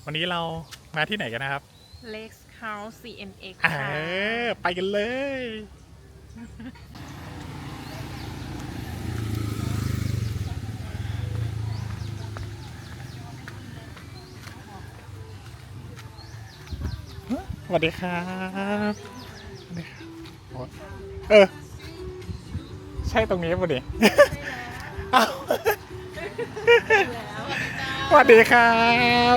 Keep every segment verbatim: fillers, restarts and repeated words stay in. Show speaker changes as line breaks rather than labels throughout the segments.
วันนี้เรามาที่ไหนกันนะครับ
Lex House ซี เอ็ม เอ็กซ์
เอ
ค่ะ
อไปกันเลย สวัสดีครับสวัสดีครับโอ๊ยเออ ใช่ตรงนี้ป่ะดิอ้าวสวัสดีครับ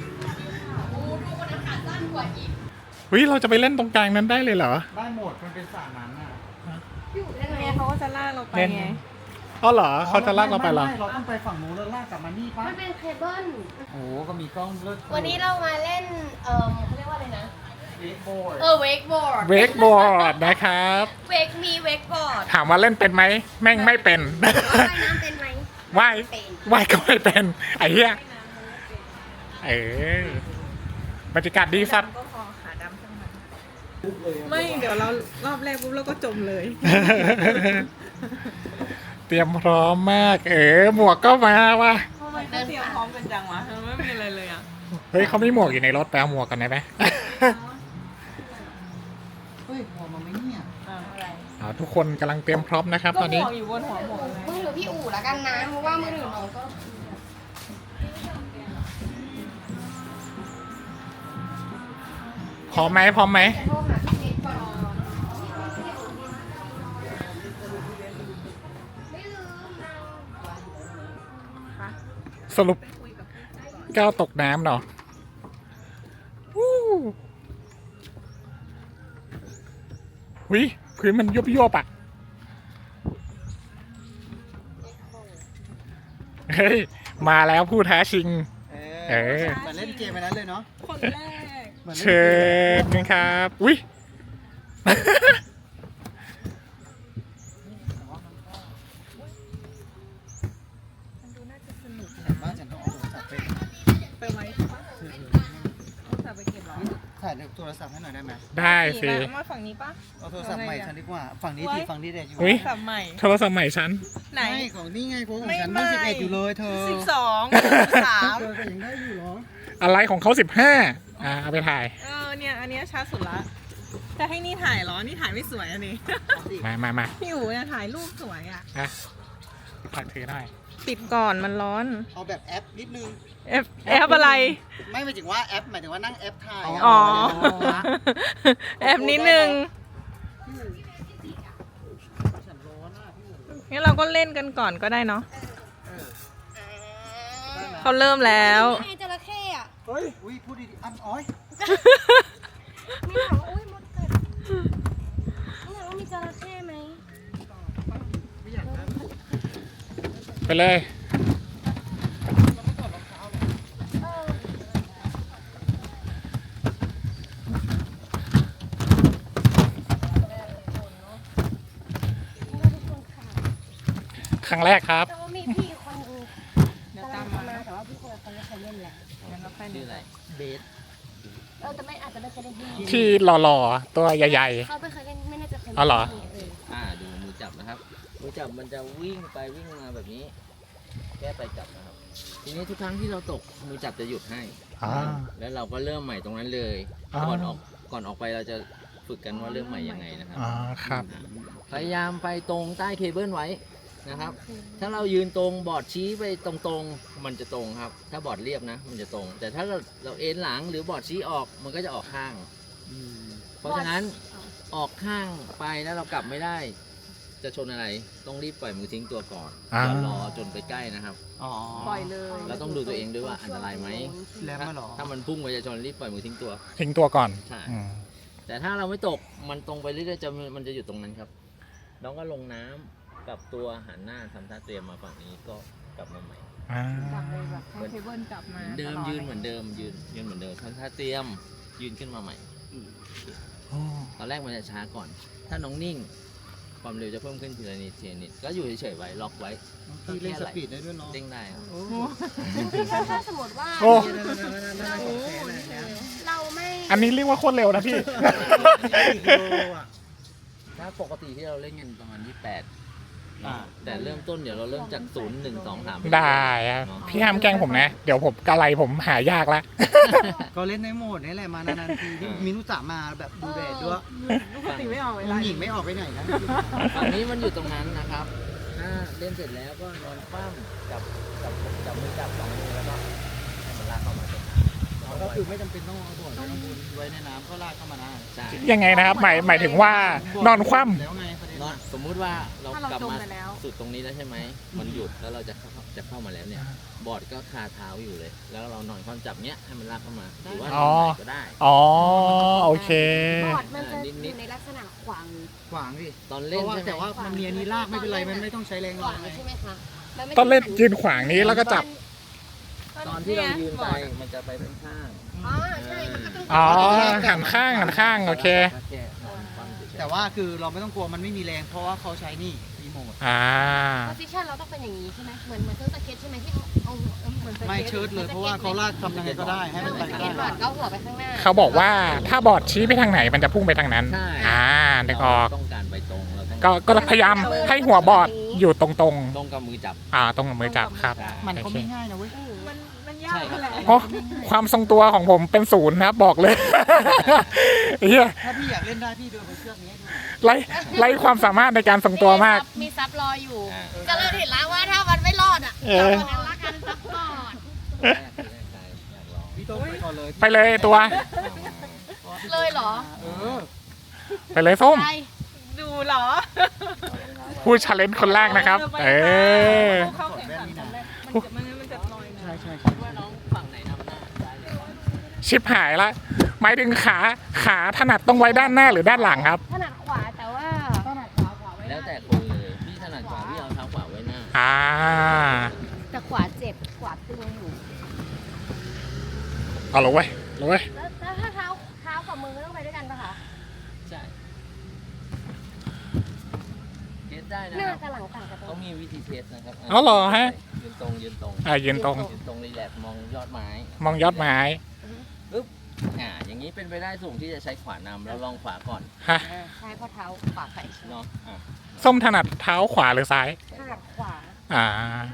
วิเราจะไปเล่นตรงกลางนั้นได้เลยเหรอ
ได้หมดมันเป็นสระน้ำอ่ะ
ยังไงเขาก็จะลากเราไป
เล่น
ไง
อ๋อเหรอเขาจะลากเราไปเหรอ
ม่ม่เราต้องไปฝั่งนู้นแล้วลากกลับมานี่ปะ
มันเป็นเคเบิล
โอ้โหก็มีกล้องเลิศ
วันนี้เรามาเล่น เอ่อเขาเรียกว่าอะไรนะ
เวกโบร์ด
เออเวกบอร์ด
เวกบอร์ดนะครับ
เวกมีเวกบอร์ด
ถามว่าเล่นเป็นไหมแม่งไม่เป็น
ว่ายน้ำเป็นไหม
ว่าย
เป็น
ว่ายก็ไม่เป็นไอ้เหี้ยเออบรรยากาศดีสัตว์
ก็พอขาดำทั้งนั้นไม่เดี๋ยวเรารอบแรกปุ๊บเราก็จมเลย
เตรียมพร้อมมาก เออหมวกก็มาว่ะ
ทำไมเขาเตรียมพร้อมกันจังวะทำไมไม่มีอะไรเลยอ่ะ
เฮ้ยเขามีหมวกอยู่ในรถไปเอาหมวกกันได้ไหม
เฮ้ยพอมาไหมเนี่ย
อ๋อทุกคนกำลังเตรียมพร้อมนะครับ
ก็
ตอน
หม
นี้
วกอยู่บนหัวหมวกเลย
มือถือพี่อู๋แล้วกันนะ เพราะว่ามือถือน้องก็
พร้อมไหมพร้อมไหม
โทรหาพี่เอกก่อนไม่ลืมเรา
สรุปก้าวตกน้ำเนาะวู้หุยพื้นมันยุบยุบอ่ะเฮ้ย มาแล้วผู้ท้าชิง
เอ
เอ
อ
อ
เหมือนเล่นเกมไปนั้นเลยเนาะ
คนแรก
หมือนล่น
เชิญกันครับอุ้ย
มันดูน่าจะสนุก
แต่บ้านฉันต้องเอาโทรศัพท์ไป
ไปไว้ปะต้องจะไปเก็บเหรอ
ถ่ายโทรศัพท์ให้หน่อยได้ไหม
ได้สิ
เอามาฝั่งนี้ปะ
เอาโทรศัพท์ใหม่ฉันดีกว่า ฝั่งนี้ทีฝั่งนี้เด็กอยู่
อุ๊ย
สับใหม่
โทรศัพท์ใหม่ฉัน
ไหน
ไม่ของนี่ไงโค้งของ
ไม่
ฉัน
ไม่
เพิ่งสิบเอ็ดอยู่เลยเธอ
สิบสองสาม
เธอก็ยังได้อยู่เหรอ
อะไรของเขาสิบห้าอ่าเอาไปถ่าย
เออเนี่ยอันเนี้ยช้าสุดละจะให้นี่ถ่ายเหรอ นี่ถ่ายไม่สวยอันนี้
มามามา
พี่อู๋เนี่ยถ่ายรูปสวยอ่ะ
อ่ะฝากถือหน่อย
ปิดก่อนมันร้อน
เอาแบบแอปนิดนึง
แอปแอปอะไร
ไม่หมายถึงว่าแอปหมายถึงว่านั่งแอปถ่ายะ
อ๋อ
นะ
แอปนิดนึง
ฉันร้อนอ่ะพี่หมู
งั้นเราก็เล่นกันก่อนก็ได้เนาะ
เออ
เขาเริ่มแล้ว
ไงจระเข้อะ
เฮ้ยอุ้ยพูดดีๆอันอ้อย
มีถามว่าอุ้ยมดกัดมีถามว่ามีจระเข้ไหม
ไม่อยากได้
ไปเลย
เออ
ครั้งแรกครับ
แต่ว่ามีพี่คนนึง
เดี๋ยว
กำลั
ตาง ม
จะ
มา
มาแต่ว่าพี่คนนั้นเขาไม่เคยเล่นแหละ
งั้นเราไปดู
เบส
เออแต่ไม่อาจจะไม่เคยเล่นที่นี่
ที่หล่อๆ ตัวใหญ่
เขาไม่เคยเล่นไม่น่าจะเคย
อ๋อเหรอ
ที่นี่เออ
อ่าดูมือจับนะครับมือจับมันจะวิ่งไปวิ่งมาแบบนี้ แก้ไปจับนะครับ ทีนี้ทุกครั้งที่เราตกมือจับจะหยุดให้
ๆอ่า
แล้วเราก็เริ่มใหม่ตรงนั้นเลย
อ่า
ก่อนออกก่อนออกไปเราจะฝึกกันว่าเริ่มใหม่ยังไงนะครับ
อ่าครับ
พยายามไปตรงใต้เคเบิลไว้นะครับ ถ้าเรายืนตรงบอร์ดชี้ไปตรงๆ มันจะตรงครับ ถ้าบอร์ดเรียบนะ มันจะตรง แต่ถ้าเราเราเอ็นหลังหรือบอร์ดชี้ออกมันก็จะออกข้าง
อืม
เพราะฉะนั้นออกข้างไปแล้วเรากลับไม่ได้ จะชนอะไรต้องรีบปล่อยมือทิ้งตัวก่อน
อ่า
อย่ารอจนไปใกล้นะครับ
อ๋อ
ปล่อยเลย
เราต้องดูตัวเองด้วยว่าอันตรายไหม
แรมมาเหรอ
ถ้ามันพุ่งไปจะชนรีบปล่อยมือทิ้งตัว
ทิ้งตัวก่อน
ใช่
อืม
แต่ถ้าเราไม่ตกมันตรงไปเรื่อยๆจะมันจะอยู่ตรงนั้นครับ น้องก็ลงน้ำกลับตัวหันหน้าทำท่าเตรียมมาฝั่งนี้ก็กลับมาใหม่
อ่า
จับเลยแบบให้เคเบิลจับมา
เหมือนเดิมยืนเหมือนเดิมยืนยืนเหมือนเดิมทำท่าเตรียมยืนขึ้นมาใหม่
โอ้
ตอนแรกมันจะช้าก่อน ถ้าน้องนิ่ง ความเร็วจะเพิ่มขึ้นทีละนิดทีละนิดก็อยู่เฉยๆไว้ล็อกไว้
พี่เล่นสปีดได้ด้วยเนาะ
เด้งได้ครับ
ถ้าสมมติว่า
โอ้
เราไม่
อันนี้เรียกว่าโคตรเร็วนะพี่
ถ้าปกติที่เราเล่นกันประมาณยี่สิบแปด
อ่า
แต่เริ่มต้นเดี๋ยวเราเริ่มจากศูนย์หนึ่งสองสาม
ได้ครับพี่ห้ามแกล้งผมนะ เดี๋ยวผมกะไรผมหายากละ
ก็เล่นในโหมดนี่แหละมานานๆทีที่มินุสามาแบบดูแดดด้วย
ลูกปกติไม่ออกเว
ผู้
ลา
หญิงไม่ออกไปไหนนะ
ฝั่งนี้มันอยู่ตรงนั้นนะครับถ้าเล่นเสร็จแล้วก็นอนคว่ำจับจับจับมือจับสองมือแล้วก็ให้มันลากเข้ามาตรงน้ำ
ก็คือไม่จำเป็นต้องเอาบ่อน้ำไว้ในน้ำก็ลากเข้ามาได้
ใช่
ยังไงนะครับ หมายหมายถึงว่านอนคว่ำ
แล้วไงประเด็น
นอน
อะ
สมมุติว่าเรา
ถ้าเรา
กลับ
จม
มา
ไปแล้ว
สุดตรงนี้แล้วใช่ไหมมันหยุดแล้วเราจะเข้าจะเข้ามาแล้วเนี่ย บอร์ดก็คาเท้าอยู่เลย แล้วเรานอนคว่ำจับเนี้ยให้มันลากเข้ามาหรือว่านอนหงายก็ได้
อ๋อโอเค
บอร์ดมันจะอยู่ในลักษณะขวาง
ขวางดิ
ตอน
เพ
เล่น
ราะว่า
ใช่ไหม
แต่ว่ามันมีอันนี้ลากไม่เป็นไรมันไม่ต้องใช้แรง
ข
ลาว
าง
ไง
ใช่ไหมคะมัไม่
ต้องเล่นยืนขวางนี้แล้วก็จับ
ตอนที่เรายืนไปมันจะไปเป็นข้าง
อ๋อใช่มันก็ต้อง
อ๋อหันข้างหันข้างโอเค
ก็แค่นอนคว่ำเฉยๆ
แต่ว่าคือเราไม่ต้องกลัวมันไม่มีแรงเพราะว่าเขาใช้นี่รีโมท
อ่า
โพสิชันเราต้องเป็นอย่างนี้ใช่ไหมเหมือนเหมือนเครื่องสเก็ตใช่ไหมที่เอาเอาเอาเหมือนสเก็ต
ไม่เชิดเลยเพราะว่าเขาลากทำยังไงก็ได้ให้
เหมื
มั
อน น
ไป
สเก็
ได้
ตบอร์ดก็หัวไปข้างหน้า
เขาบอกว่าถ้าบอร์ดชี้ไปทางไหนมันจะพุ่งไปทางนั้น
ใช่
อ่านึกออก
เราต้องการไปตรงเราต้อง
ก็ก็พยายามให้หัวบอร์ดอยู่ตรง
ตรงกับมือจับ
ๆ อ่าตรงกับมือจับครับ
มัน
โอ
ก็
เค
ไม่ง่ายนะเว้ย
มันมันยากแหละ
เพราะความทรงตัวของผมเป็นศูนย์นะครับบอกเลย เฮีย
ถ้าพี่อยากเล่นได้พี่เดินไปเชือกนี้ให้ดู
ไร้ไร้ความสามารถในการทรงตัวมาก
มีซับรออยู่
อ่า
ก็เลยเห็นแล้วว่าถ้ามันไม่รอดอ่ะ
เออ
ตอนนั้นละกันซับก่อน
แรกที่แรกใจอยากลอง
พี่ต้องไปก่อนเลย
ไปเลยตัว
เลยเหรอ
เออ
ไปเลยส้ม
ใช่
ดูเหรอ
ผู้ชาเลนจ์คนแรกนะครับ เออ
เข้าแข่งขันกันแรกมันจะมันมันจะลอยนะ
ใช่ใช่
คิดว่าน้องฝั่งไหนนำหน้าได้เลย
ชิปหายละหมายถึงขาขาถนัดต้องไว้ด้านหน้าหรือด้านหลังครับ
ถนัดขวาแต่ว่า
แล้วแต่คนเลยพี่ถนัดขวาพี่เอาเท้าขวาไว้หน้า
อ่า
แต่ขวาเจ็บขวาตึงอยู่
เอาลงไว้ลงไว้ย
แล้วแล้วถ้าเท้าเท้ากับมือต้องไปด้วยกันปะคะ
ใช่เทสได้นะ
หน้า
ครับ
กับหลังต่างกันตร
เขา
ง
มีวิธีเทสนะครับ
เอาเหรอฮะ
ยืนตรงยืนตรง
อ่ายืนตรง
ยืนตรงรีแลกซ์มองยอดไม้
มองยอดไม้
ปึ๊บอ่าอย่างนี้เป็นไปได้สูงที่จะใช้ขวานำแล้วลองขวาก่อน
ฮะ
ใช่เพราะเท้าขวาไป
เนาะอ่ะ
ส้มถนัดเท้าขวาหรือซ้าย
ถนัดขวา
อ่า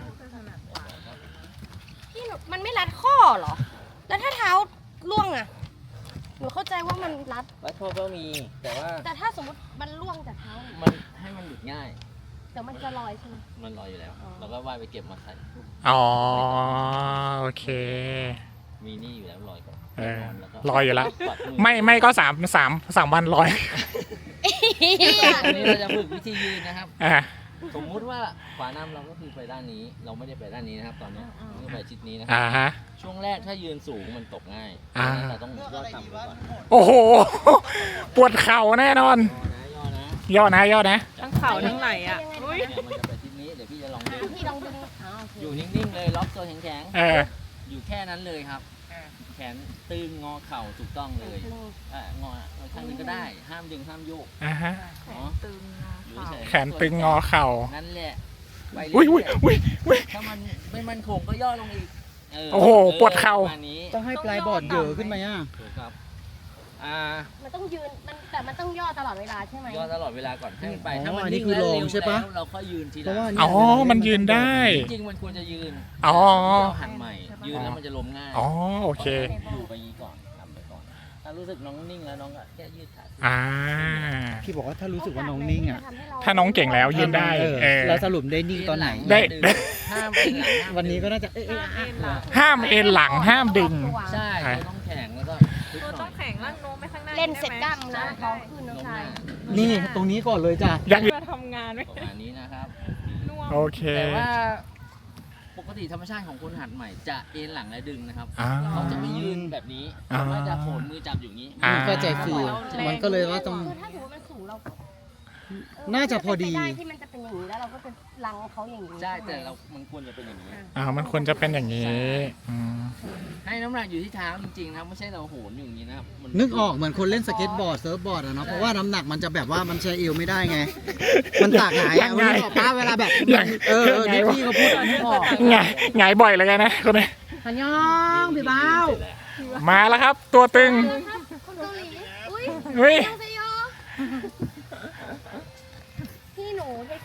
พี่หนูมันไม่รัดข้อเหรอ แล้วถ้าเท้าล่วงอะหนูเข้าใจว่ามันรัด
วัดข้อก็มีแต่ว่า
แต่ถ้าสมมติมันล่วงจากเท้าเนี่ย
มันให้มันหลุดง่าย
แต่มันจะลอยใช่ไหม
มันลอยอยู่แล้ว
อ๋อ
เราก็ว่ายไปเก็บมาใส่
อ๋อ โอเค
มีนี่อยู่แล้วลอยก่อน
เออ
แล้วก็
ลอยอยู่แล้ว
ปัดมือ
ไม่ไม่ก็สามสามสามวันร้อย
อันนี้เราจะฝึกวิธียืนนะครับ
อ่า
สมมุติว่าขวานำเราก็คือไปด้านนี้ เราไม่ได้ไปด้านนี้นะครับ ตอนนี้เราไปชิดนี้นะครั
อ่า
บ
ฮะ
ช่วงแรกถ้ายืนสูงมันตกง่าย
อ่า
ดังนั้นเราต้องยอดต่ำไปก่อน
โอ้โห ปวดเข่าแน่นอน
ย่อนะย่อนะ
ย่อนะย่อนะ
ทั้งเข่าทั้งไหล่อ่ะอุ้ย
เนี่ยมันจะไปทิศนี้ เดี๋ยวพี่จะลองดึง
พี่ลองดึงอ๋อโอเค
อยู่นิ่งๆเลย ล็อกตัวแข็ง
เออ
ๆ อยู่แค่นั้นเลยครับ แขนตึงงอเข่าถูกต้องเลยอ่างอข้างหนึงก็ได้ ห้ามดึงห้ามโยก
อ่าฮะ
เนาะ
ตึง
อยู่เฉยๆ
แขนตึงงอเข่า
นั่นแหละไป
อุ้ย
เรื่
อุ้ย
อย
อุ้ยอุ้ย
ๆถ้ามันไม่มั่นคงก็ย่อลงอีกเ
โอ้โหปวดเข่า
ประมาณนี้
ต้องให้ปลายบอร์ดเหยอะขึ้นไหมอ่ะ
ถูกครับอ่า
มันต้องยืนมันแต่มันต้องย่อตลอดเวลาใช่ไหม
ย่อตลอดเวลาก่อนให้มันไป
อ๋อ
ถ้ามัน
อันนี้
นิ่ง
คือ
แล้ว
ลอง
เร็ว
ใช่ปะ
แล้วเราค่อยยืนทีห
เพ
ลั
ราะว่า
ง
เนี่ย
อ๋อ มันยืนได้
จริงๆมันควรจะยืน
อ๋อ
เราหันใหม่ ยืนแล้วมันจะล้มง่าย
อ๋อ โอเค
อยู่ไปยี้ก่อนทำไปก่อน ถ้ารู้สึกน้องนิ่งแล้วน้องก็แค่ยืดขา
อ่า
พี่บอกว่าถ้ารู้สึกว่าน้องนิ่งอ่ะ
ถ้าน้องเก่งแล้วยืนได้
เออ
เออ
แล้วสรุปได้นิ่งตอนไหน
ได้
ห้ามเป็นหลังห้าม
วันนี้ก็น่าจะเอ๊ะเอ๊ะ
ห้าม
อ่ะ
เอ็นหลัง
ห้ามเอ็นหลังห้ามดึง
ใช่ตัวต้องแข็งแล้วก็ทึบ
ตัว
หน่
ต้
อ
อย งแข็งร่างโน้มไปข้างหน้า
เล่นเสร็จกล้าม
ใช่
นะท้องขึ้นน้อง
ลงห
ชา
น้าย
นี่ตรงนี้ก่อนเลยจ้ะ
อย่างอื่น
มาทำงานไว้
ประมาณนี้นะครับ
น่วม
โอเค
แต่ว่าปกติธรรมชาติของคนหัดใหม่จะเอ็นหลังและดึงนะครับ
อ่า
เขาจะไม่ยืนแบบนี้
อ่า
เขาจะโผล่มือจับอยู่อย่างนี้
อ่า
เข้าใจฟิลมันก็เลยว่าต้อง
คือถ้าถือว่ามันสูงเรา
น่าจะพอดี
เป็นไปได้ที่มันจะเป็นอย่างนี้แล้วเราก็จะลังเขาอย่างนี้
ใช่แต่เรามันควรจะเป็นอย่างนี้
อ่า มันควรจะเป็นอย่างนี้อืม
ให้น้ำหนักอยู่ที่เท้าจริงๆนะครับไม่ใช่เราโหนอยู่อย่างนี้นะครับมั
นึกออกเหมือนคนเล่นสเก็ตบอร์ดเซิร์ฟบอร์ดอะเนาะเพราะว่าน้ำหนักมันจะแบบว่ามันใช้เอวไม่ได้ไง มันตากหงาย
ยั
อะ
งไง
นึกออกป้าเวลาแบบ
ยัง
เออเออ
ยังไง
ที่
วะ
พี่เขาพูดนึกออก
ไงไงายบ่อยเลยกันนะคนนี้
ฮันยองพี่บ้าว
มาแล้วครับ ตัวตึง
ครับคนเกาหลีอุ้ย
เฮ้ย
ยองเซโยพี่หนูเทคเซ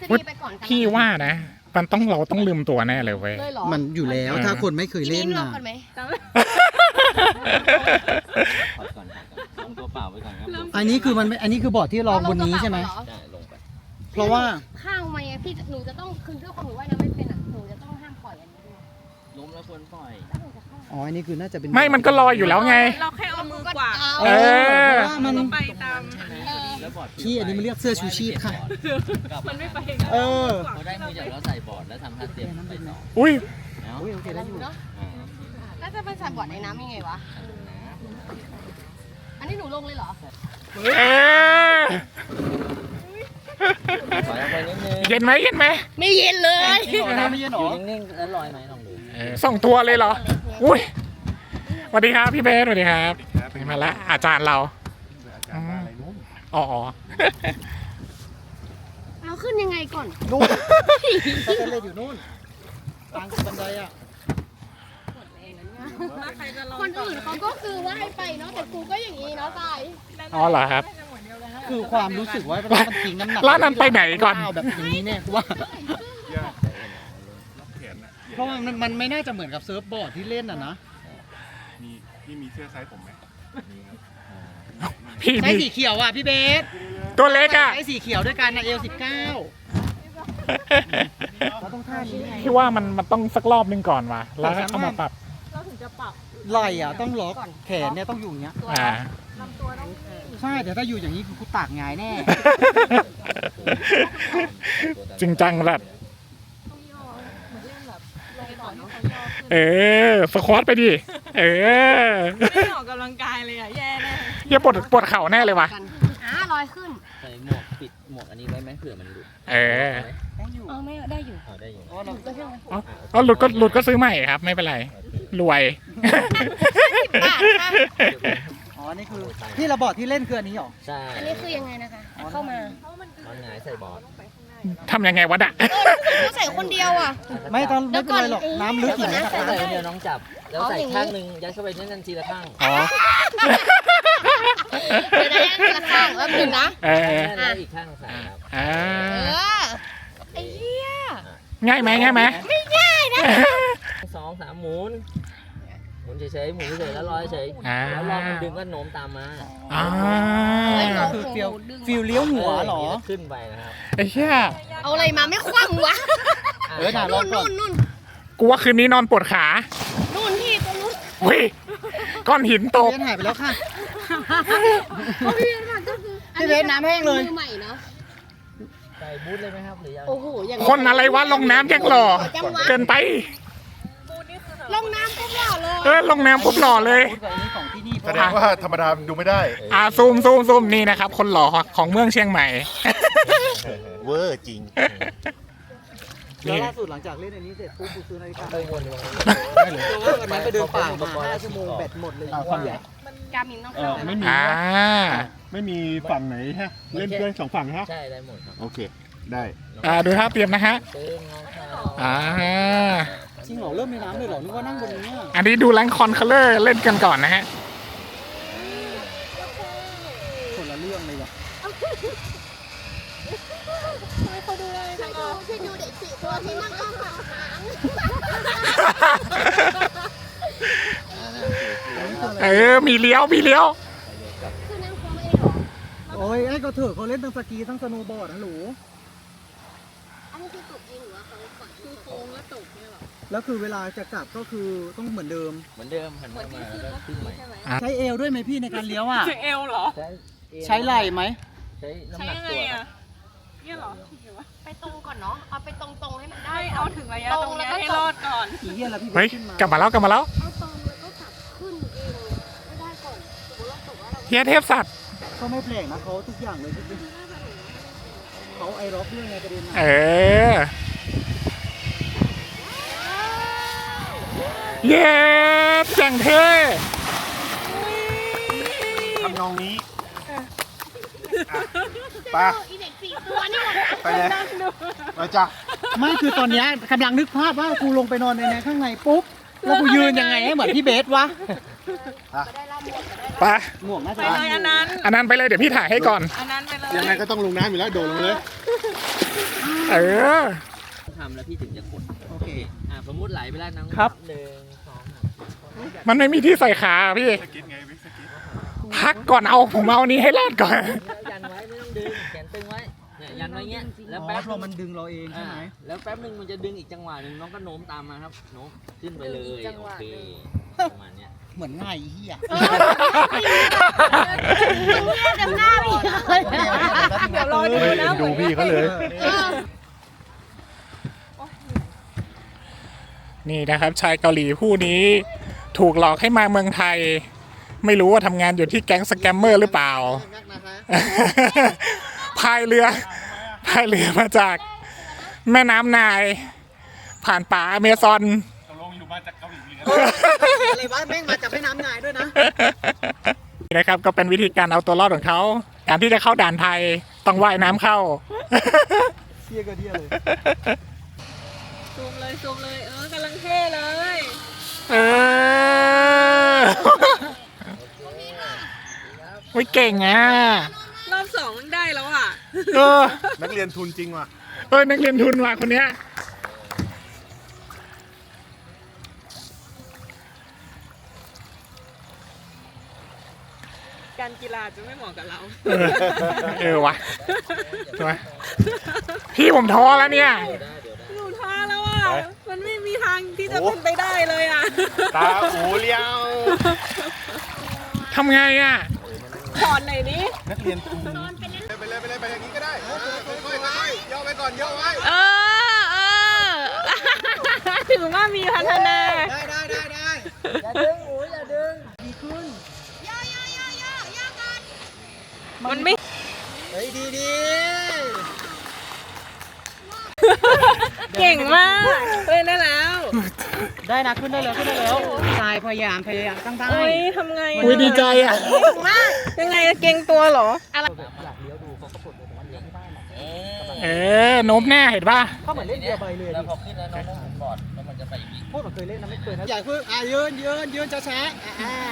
ษฎีไปก่อนกัน
พี่ว่านะ มันต้องเราต้องลืมตัวแน่เลยเว้ย
เลยเหรอ
มันอยู่แล้วถ้าคนไม่เคย
ที
เล่
นี้
น
ลอง
นะ
กันไหม
ถอดก่อนถอดก่อนลงตัวเปล่าไว้ก่อนครับ
อันนี้คือมันอันนี้คือบอร์ดที่รองบนนี้ใช่ไหม
ได้ลงไป
เพราะว่า
ข้างไหมอะพี่หนูจะต้องคือด้วยความหนูว่ายน้ำไม่เป็นอ่ะหนูจะต้องห้ามปล่อยอันนี้ด้วย
ล้มแล้วควรปล่อย
แล้วหนูจะเข้า
อ๋ออันนี้คือน่าจะเป็น
ไม่มันก็ลอยอยู่แล้วไง
เราแค่เอามือกวาด
เออ
พราะว่ามัน
ไปตาม
แล้วบอร์ด
พี่อันนี้มันเรียกเสื้อชูชีพค่ะ
มันไม่ไป
เออ
พอได้มือจากแล้วใส่บอร์ดแล้วทำท่าเตรียมไปต่อ
อุ้ย
เนาะ
อุ้ยโอเคได้อยู่
เนาะ
อ่า
แล้วจะไปใส่บอร์ดในน้ำยังไงวะ อันนี้หนูลงเลยเหรอ
เออ
ถอยออกไปนิดนึง
เย็นไหมเย็นไหม
ไม่เย็นเลย
นี่หรอน้ำไม่เย็นหร
อ
อยู่
นิ่งๆแล้วลอยไหมลองดู
เออส่งตัวเลยเหรอ อุ้ยสวัสดีครับพี่เบสสวัสดีครับมาละอาจารย์เราอ๋อ
เอาขึ้นยังไงก่อน
นู่นสเตนเลสอยู่นู่นกลางบันไดอ่ะ
ใครจะลอง
คนอื่นเขาก็คือว่าให้ไปเนาะแต่กูก็อย่างนี้เนาะทราย
อ๋อเหรอครับ
คือความรู้สึกว่ามันทิ้งน้ำหนัก
ร้านนั้นไปไหนก่อน
แบบอย่างนี้เนี่ยกูว่า เพราะว่ามันมันไม่น่าจะเหมือนกับเซิร์ฟบอร์ดที่เล่นอ่ะนะ
มีพี่มีเสื้อไซส์ผมไหม
พี่
ใช้
พี่
สีเขียวอ่ะพี่เบส
ตัวเล็กอ่ะ
ใช้สีเขียวด้วยกันนะเอลสิบเก้าเราต้องท่านี้ไง
พี่ว่ามันมันต้องสักรอบนึงก่อนว่ะแล้วก็เข้ามาปรับ
เราถึงจะปรับ
ไหล่อ่ะต้องล็อกแขนเนี่ยต้องอยู่อย่างเงี้ย
อ่า
ลำตัวต้อง
ใช่แต่ถ้าอยู่อย่างนี้คือกูตากหงายแน่
จริงจังแบบ
ต้องย่อเหมือนเล่นแบบลงก่อนที่เขาย่อขึ้น
เออสควอตไปดิเออ
ไม่ได้ออกกำลังกายเลยอ่ะแย่แน่
เหี้ยปวดปวดเข่าแน่เลยว่ะ
กันอ่าลอยขึ้น
ใส่หมวกปิดหมวกอันนี้ไว้ไหมเผื่อมันหลุด
เออ
ได้อยู่
เออไม่ได้อยู่
เอาได้อยู่
อ๋อเรา
ก็ใช่ไหม
อ๋ออ๋อหลุดก็หลุดก็ซื้อใหม่ครับ ไม่เป็นไร รวย
บาทค่ะ
อ๋อนี่คือที่เราบอร์ดที่เล่นคืออันนี้เหรอ
ใช่
อันนี้คือยังไงนะคะ เข้ามา
มันหงายใส่บอร์ด
ทำยังไงวะดะ
กูใส่คนเดียวอ่ะ
ไม่ต้องไม่เป็นไรหรอกน้ำลึกอยู่
เดี๋
นะ
ยว
ค
ก่
รั
อน
บ
ใส่เดียวน้องจับ แล้วใส่ข้างหนึ่งยัดเข้าไปนั่นทีละข้าง
อ๋อ
เดี๋ยวนะละข้างแล้วหนึ่งนะ
เออ
แล้วอีกข้างใส่ครับ
อ่า
เออ ไอ้เหี้ย
ง่ายไหมง่ายไหม
ไม่ง่ายนะ
สองสามหมุนหมุนเฉยๆหมุนเฉยๆแล้วลอยเฉย
อ่า
แล้วลอยมันดึงก็โน้มตามมา
อ่า
คือฟิลฟิลเลี้ยวหัวเหรอ
แล้วขึ้นไปนะครับ
ไอ้เหี้ย
เอาอะไรมาไม่คว่ำวะ
เออน่ะลอ
นู่
ง
น
ก่อน
นู่นนู่น
กูว่าคืนนี้นอนปวดขา
นู่นพี่ตรงนู้น
วิก้อนหินตก
เบสหายไปแล้วค่ะ
เพราะพี่เบสก็คือ
พี่เบสน้ำแห้งเลย
มือใหม่เนาะ
ใส่บูทเลยไหมครับหรือยัง
โอ้โหอย่าง
คนอะไรวะลงน้ำยังหล่อ
จังหวะ
เกินไป
ลงน้ำปุ๊บหล่อเลย
เออลงน้ำปุ๊บหล่อเลย
พูดกับอันนี้ของที่นี่เพ
แส
ราะ
ด
ว่าง
ว่าธรรมดาดูไม่ได้
อ่าซูมซูมซูมนี่นะครับ คนหล่อของเมืองเชียงใหม่
เวอร์จริง
แล้วล่าสุดหลังจากเล่นอันนี้เสร็จปุ๊บกูซื้อนาฬิกา
ไปวนเลย
เพราะว่าวันนั้นไปเดินป่ามาห้าชั่วโมงแบตหมดเลย
กามินต้อง
เอ
เข้า
อไม่มี
อ่า
ไม่มีฝั่งไหนฮะ เล่นด้วยสองฝั่งฮะ
ใช่ได้หมดครับ
โอเค ได้
อ่าดูท่าเตรียมนะฮะ
ตึงงอเข่า
อ่า
จริงเหรอเริ่มในน้ำเลยเหรอนึกว่านั่งบนนี้อะ
อันนี้ดูแรงคอนคัลเลอร์เล่นกันก่อนนะฮะ
คนละเรื่องเลยว่ะ
ช่วยดูเด็กสี่ตัวที่นั่งข้างหลัง
เออ มีเลี้ยว มีเลี้ยว
คือนั่งควงไม่ได้หรอ
โอ้ยไอ้ก็เถอะเขาเล่นทั้งสกีทั้งสโนว์บอร์ดนะหนู
อันนี้คือตกเองหรือว่าเขาปล่อยคือโค้งแล้วตกเนี่ยหรอ
แล้วคือเวลาจะกลับก็คือต้องเหมือนเดิม
เหมือนเดิมหันหน้ามาแล้วก็ขึ้นใหม่
ใช่ไหม
ใช้เอวด้วยไหมพี่ในการเลี้ยวอ่ะ
ถึงเอวเหรอ
ใช้เอว
ใช้ไหล่ไหม
ใช้น้ำ
ใช้
หนัก
ยังไง
ตัว
อ่ะเนี่ยเหรอหรือว่า
ไปตรงก่อนเนาะ เอาไปตรงๆให้มันได้
ไม่เอาถึงระยะตรงเนี้ยให้รอดก่อน
อีเหี้ยแล้วพี่
เฮ้ย
ขึ้นมาก
ลับมาแล้ว กลับมาแล้ว
เอาตรงแล้วก็กลับขึ้นเองไม่ได้ก่อนสมมติเราตกว่าเรา
เฮียเทพสัตว์
ก็ไม่แปลกนะเขาทุกอย่างเลยจริงๆเขาไอร็อกด้วยไงประเด็น
เอ
อะ
อ เย้แจ่งเท่
ทำนองนี้ไป
อีเด็กสี่ตัวนี่หมด
ไปเลยไปจ้ะ
ไม่คือตอนเนี้ยกำลังนึกภาพว่ากูลงไปนอนในในข้างในปุ๊บแล้วกูยืนยังไงให้เหมือนพี่เบสวะ
ไป
หมวกน่า
ไป
จะ
เลยอันนั้น
อันนั้นไปเลยเดี๋ยวพี่ถ่ายให้ก่อน
อันนั้นไปเลย
ยังไงก็ต้องลงน้ำอยู่แล้ว โดดลงเลย
ไ
เออ
ทำแล้วพี่ถึงจะกด
โอเค
อ่าสมมติไหลไปแล้วน้อง
ครับ
หนึ่งสองสาม
มันไม่มีที่ใส่ขาพี่
สกิดไงวิกสกิด
พักก่อนเอาผมเอานี้ให้รอดก่อน
ยันไว้ไม่ต้องดึงแขนตึงไว้เนี่ยยันไว้เงี้ยแล้ว
อ๋อ
แป๊บ
พอมันดึงเราเองใช่
อ่า
ไหม
แล้วแป๊บหนึ่งมันจะดึงอีกจังหวะหนึ่งน้องก็โน้มตามมาครับโน้มขึ้นไปเลยโอเคประมาณเนี้ย
เหมือนง่ายอีเหี้ย
จำหน้าพี่เลย
เดี๋ยวรอดูนะ
ดูพี่เขาเลย
นี่นะครับ ชายเกาหลีผู้นี้ถูกหลอกให้มาเมืองไทย ไม่รู้ว่าทำงานอยู่ที่แก๊งสแกมเมอร์หรือเปล่า พายเรือพายเรือมาจากแม่น้ำนาย ผ่านป่าอเมซอน
ตกลงอยู่มาจากเกาหลีเหรอ
อะไรวะแม่งมาจากแม่น้ำนายด้วยนะ
นี่นะครับก็เป็นวิธีการเอาตัวรอดของเขา การที่จะเข้าด่านไทยต้องว่ายน้ำเข้า
เชี่ยก็เที่ยเลย
ซูมเลยซูมเลยเออกำลังเท่เลย
เออวิเก่งอ่ะ
รอบสองมันได้แล้วอ่ะ
เออ
นักเรียนทุนจริงว่ะ
เออนักเรียนทุนว่ะคนเนี้ย
การกีฬาจะไม่เหมาะกับเรา
เออเออวะใช่ไหมพี่ผมท้อแล้วเนี่ย
หนูท้อแล้วอ่ะ มันไม่มีทางที่จะเป็นไปได้เลยอ่ะ
ตาอูเลี้ยว
ทำไงอ่ะ
ถอนหน่อยนี้
นักเรียนทุนไปเลยไปเลยไปอย่างนี้ก็ได้ค่อยๆค่อยๆย่อไว้ก่อนย่อไว้
เออเออ ถือว่ามีพัฒนา
ได้ได้ได้ได้อย่าดึงโอ้ยอย่าดึงดีขึ้น
มันไม่
เฮ้ยดีดี
เก่งมากเล่นได้แล้ว
ได้นะขึ้นได้แล้วขึ้นได้แล้วทรายพยายามพยายามตั้งได้
โอ้ยทำไง
อุ้ยดีใจอ่ะ
ยังไงเก่งตัวเหรออะไร
เออโน้มแน่เห็นป่ะ
เขาเหมือนเล่นเรือใบเลย
แล้วพอขึ้นแล้วน้องต้องหมุนบอร์ดแล้วมันจะไปอย่างนี้
พูดแบบเคยเล่นนะไม่เคยนะอย่าเพิ่งอ่ะยืนยืนยืนช้าช้าอ่า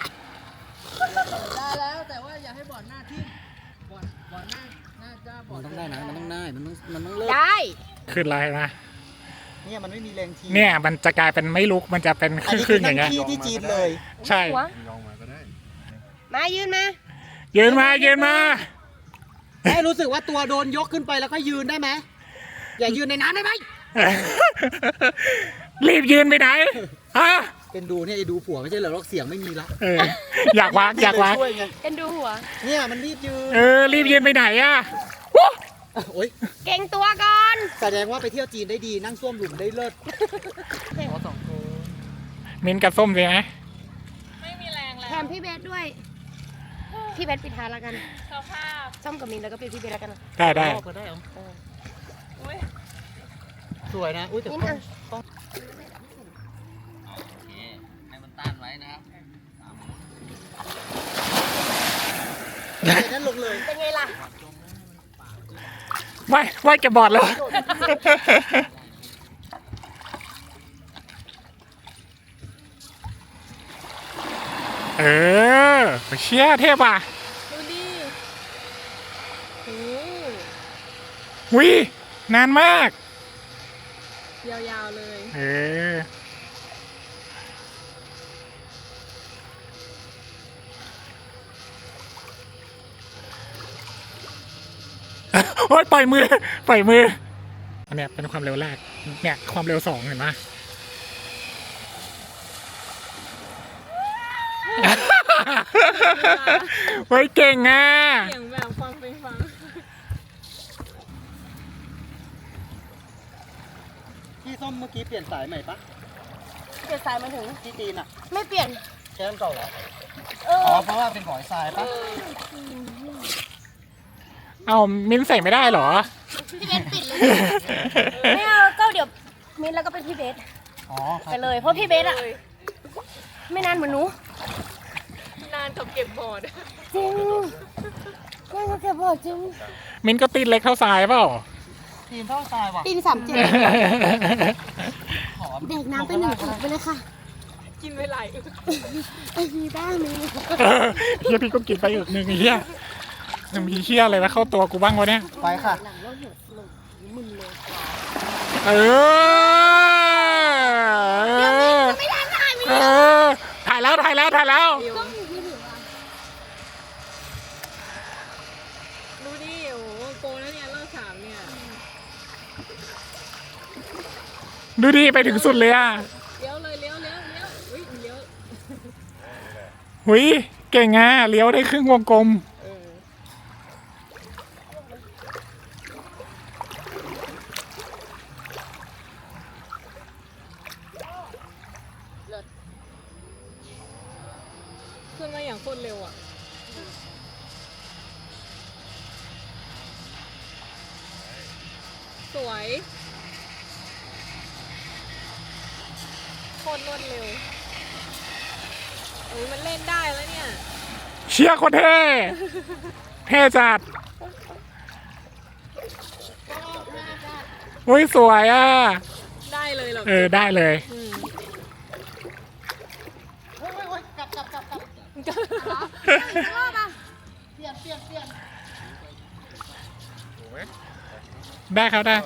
ได้แล้วแต่ว่าอย่าให้บอร์ดหน้าทิ่มบอร์ดบอร์ดหน้าหน้าจ้าบอ
มั
ร์
น
ด
ต้องได้นะมันต้องได้มันต้องมันต้องเลิก
ได้
ขึ้นอะไรนะ
เนี่ยมันไม่มีแรงที
เนี่ยมันจะกลายเป็นไม่ลุกมันจะเป็น
อันนี้
ขึ้
คื
น
อ
ๆอย่าง
นั่
เงี้
ง
ย
ที่ที่จีนเลย
ใช่
หัว
ลองมาก็ได้
มายืนมา
ยืนมายืนมา
ให้รู้สึกว่าตัวโดนยกขึ้นไปแล้วก็ยืนได้ไหมอย่ายืนในน้ำได้ไหม
รีบยืนไปไหนฮะ
เป็นดูเนี่ยไอ้ดูผัวไม่ใช่เหรอหรอกเสียงไม่มีละ
เอออยากวางอยากวาง
ช่วยไง
เอ็นดูหัว
เนี่ยมันรีบยืน
เออรีบยืนไปไหนอ่ะวู้
โอ๊ย
เก่งตัวก่อน
แสดงว่าไปเที่ยวจีนได้ดีนั่งส้วมหลุมได้เลิศขอสองคน
มินกับส้มสิไหม
ไม่มีแรงแล้ว
แถมพี่เบสด้วย พี่เบสปิดท้ายแล้วกัน
สภาพ
ส้มกับมินแล้วก็ปิดพี่เบสแล้วกัน
ได้ได้
พ่อก็ได้เหรอ
อุ้ย
สวยนะอุ้ยแต่
มิน
ต้อง
อ่ะ
โอเคให้มันต้านไว้นะครับ
เดี๋ยวนั้นลงเลย
เป็นไงล่ะ
ไม่ไม่แกบอดแล้วเออเชี่ยเทพอ่ะ
ดูดิโอ้
วินานมาก
ยาวๆเลย
เออโอ๊ยปล่อยมือปล่อยมืออันเนี้ยเป็นความเร็วแรกเนี่ยความเร็วสองเห็นไหม เฮ้ยเก่งอ่ะ
เสียงแบบฟังไปฟัง
พี่ส้มเมื่อกี้เปลี่ยนสายใหม่ปะ
เปลี่ยนสายมาถึง
ที่จีนอ่ะ
ไม่เปลี่ยน
แค่นั้นเก่าเหรอ
เออ
อ๋อเพราะว่าเป็นของทรายปะ
เอามิ้นใส่ไม่ได้เหรอ
พี่เบสปิดเลย ไม่เอาก็เดี๋ยวมินแล้วก็เป็นพี่เบส
อ๋อครั
ไป
บ
เลย เพราะพี่เบสอะไม่นานเหมือนหนู
นานกับเก็บบอร์ด
จริงไม่ก็จะบอกจริง
มิ้นก็ตีนเล็กเท่าทรายเปล่า
ทีมเท่าทรายว่ะ
ตีนสามเจ็ด
ขอ
เด็กน้ำไปหนึ่งถุงไปเลยค่ะ
กินไปหลายอึก
ไอ้ยีบ้ามี
เฮียพี่ก็กินไปอีกหนึ่งไอ้เฮียยังมีเฮียอะไรมาเข้าตัวกูบ้างวะเนี่ย
ไปค่ะ
หลังเราเหี่ยวลงมึนเลย
เออ
ไม่ได้ถ่าย
เออถ่ายแล้วถ่ายแล้วถ่ายแล้ว
กล้องอยู่ไม่ถึงอ่ะ
ดูดิโอ้โหโกแล้วเนี่ยรอบสามเนี่ย
ดูดีไปถึงสุดเลยอ่ะ
เลี้ยวเลยเลี้ยวเลี้ยวเลี้ยวอุ้ยเลี้ยว
หุยเก่งอ่ะเลี้ยวได้ครึ่งวงกลม
เออขึ้นมาอย่างโคตรเร็วอ่ะ สวยโคตรรวดเร็วเอ้ยมันเล่นได้แล้วเนี่ย
เชียร์โคนเท่เท่จัดหุยสวยอ่ะ
ได้เลยเหรอ
เออได้เลย
อืม
โอ้ยโอ้ยกลับกลับกลับกลับ
รอบอ่ะ
เปลี่ยนเปลี่ยนเปลี่ยน
ถูกไหม
ได้ครับได้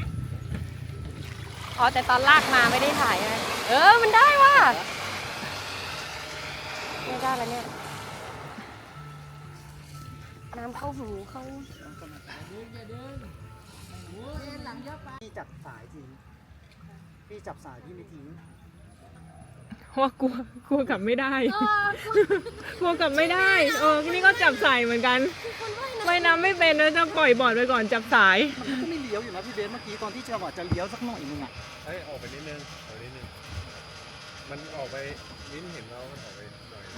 อ๋อแต่ตอนลากมาไม่ได้ถ่ายไงเออมันได้ว่ะไม่ได้แล้วเนี่ยน้ำเข้าหูเข้า
พี่จับสายทิ้งพี่จับสายพี่ไม่ทิ้ง
ว่ากลัวกลัวกลับไม่ได้
เออก
ลัวกลับไม่ได้เออนี่ก็จับสายเหมือนกันว่ายน้ำไม่เป็นนะจะปล่อยบอร์ดไปก่อนจับสาย
มันก็ไม่เลี้ยวอยู่นะพี่เบสเมื่อกี้ตอนที่จังหวะจะเลี้ยวสักหน่อยนึงอ่ะ
เฮ้ยออกไปนิดนึงออกไปนิดนึงมันออกไปลิ้นเห็นเรามันออกไปหน่อย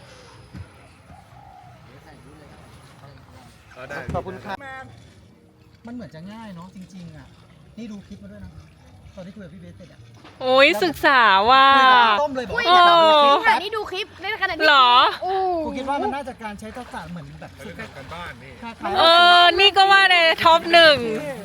เออได้
ขอบคุณครับมันเหมือนจะง่ายเนาะจริงๆอ่ะนี่ดูคลิปมาด้วยนะตอนที่คุยกับพี่เบสเสร็จอ่ะ
โอ้ยศึกษาว่า
ต้มเลยบอก
อุ้ย
ว่า
โอ้
ถ่ายนี่ดูคลิปได้ขนาดนี้
หรอ
โอ้
กูคิดว่ามันน่าจะการใช้ทักษะเหมือนแบบ
เขาเรียกกันบ้านนี่
คล้ายๆ
เออ นี่ก็ว่าในท็อปหนึ่ง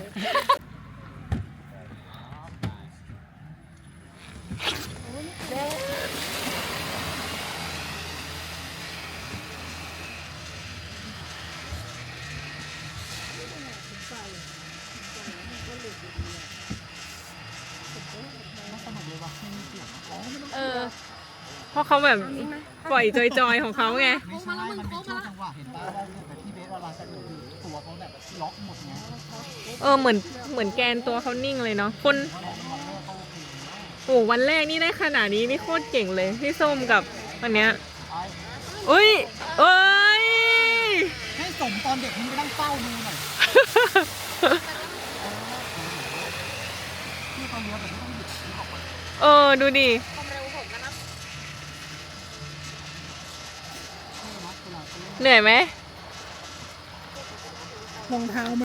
เออ เพราะเขาแบบปล่อยจอยๆของเขาไง
ไม่ใช่มันเป็นช่วงจังหวะเห็นป่ะว่าแบบพี่เบสเวลาจะโดดตัวเขาแบบล็อกหมดไง
เออ เหมือน เหมือนแกนตัวเขานิ่งเลยเนาะ คนโอ้วันแรกนี่ได้ขนาดนี้นี่โคตรเก่งเลยพี่ส้มกับอันเนี้ยอุ้ยเอ้ย
ให้สมตอนเด็กมึงไปนั่งเฝ้าดูหน่อยที่เขาเลี้ยวแบบไม่ต้องหยุดออกมา
เออ ดูดิ เหนื่อยไหม
รองเท้า